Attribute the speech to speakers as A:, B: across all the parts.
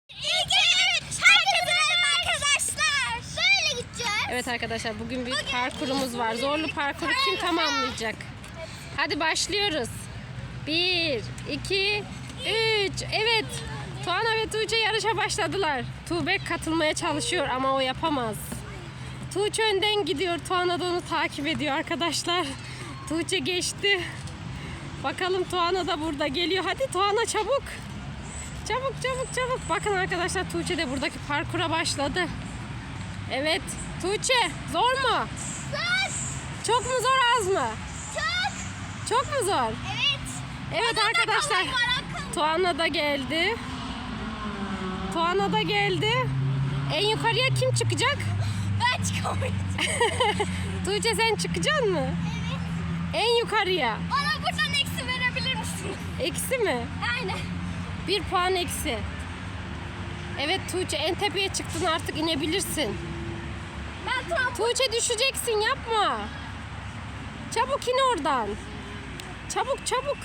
A: Evet arkadaşlar, bugün bir parkurumuz var. Zorlu parkuru kim tamamlayacak? Hadi başlıyoruz. 1, 2, 3. Evet. Tuana ve Tuğçe yarışa başladılar. Tuğbek katılmaya çalışıyor ama o yapamaz. Tuğçe önden gidiyor. Tuana da onu takip ediyor arkadaşlar. Tuğçe geçti. Bakalım Tuana da burada geliyor. Hadi Tuana çabuk. Çabuk çabuk çabuk. Bakın arkadaşlar, Tuğçe de buradaki parkura başladı. Evet. Tuğçe zor mu?
B: Zor.
A: Çok mu zor, az mı?
B: Çok.
A: Çok mu zor?
B: Evet.
A: Evet arkadaşlar. Tuana da geldi. Tuana da geldi. En yukarıya kim çıkacak?
B: Ben çıkamayacağım.
A: Tuğçe sen çıkacaksın mı?
B: Evet.
A: En yukarıya.
B: Bana buradan eksi verebilir misin?
A: Eksi mi?
B: Aynen.
A: 1 puan eksi. Evet Tuğçe, en tepeye çıktın, artık inebilirsin.
B: Ben tam
A: Tuğçe düşeceksin, yapma. Çabuk in oradan. Çabuk çabuk.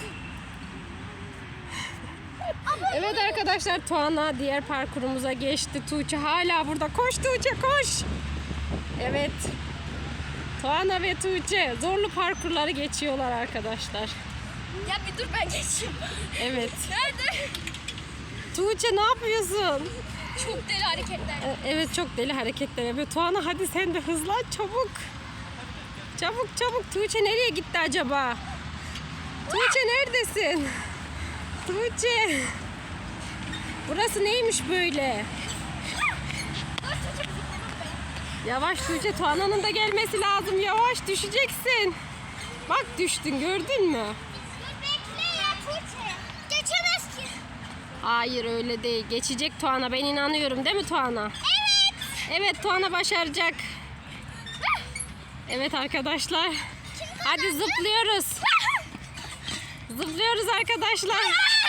A: Evet arkadaşlar, Tuana diğer parkurumuza geçti. Tuğçe hala burada. Koş Tuğçe koş. Evet. Tuana ve Tuğçe zorlu parkurları geçiyorlar arkadaşlar.
B: Ya bir dur, ben geçeyim.
A: Evet.
B: Nerede?
A: Tuğçe ne yapıyorsun?
B: Çok deli hareketler.
A: Evet, çok deli hareketler yapıyor. Tuana hadi sen de hızlan çabuk. Çabuk çabuk. Tuğçe nereye gitti acaba? Tuğçe neredesin? Tuğçe. Burası neymiş böyle? Yavaş Tuğçe, Tuana'nın da gelmesi lazım. Yavaş, düşeceksin. Bak düştün, gördün mü?
B: Bekle ya Tuğçe. Geçemez ki.
A: Hayır, öyle değil. Geçecek Tuana, ben inanıyorum, değil mi Tuana?
B: Evet.
A: Evet, Tuana başaracak. Evet arkadaşlar. Hadi zıplıyoruz. Zıplıyoruz arkadaşlar.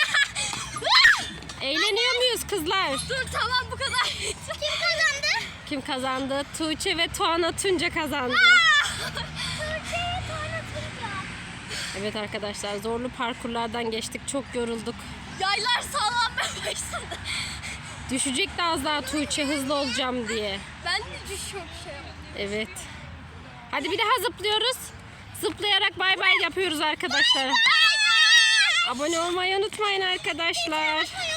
A: Eğleniyor muyuz kızlar?
B: Dur tamam, bu kadar. Kim kazandı?
A: Kim kazandı? Tuğçe ve Tuana Tunca kazandı.
B: Tuğçe'ye tanıtınca.
A: Evet arkadaşlar, zorlu parkurlardan geçtik. Çok yorulduk.
B: Yaylar sallanmaya başladı.
A: Düşecekti az daha Tuğçe, hızlı olacağım diye.
B: Ben de düşüyorum şey.
A: Evet. Hadi bir daha zıplıyoruz. Zıplayarak bay bay yapıyoruz arkadaşlar. Abone olmayı unutmayın arkadaşlar.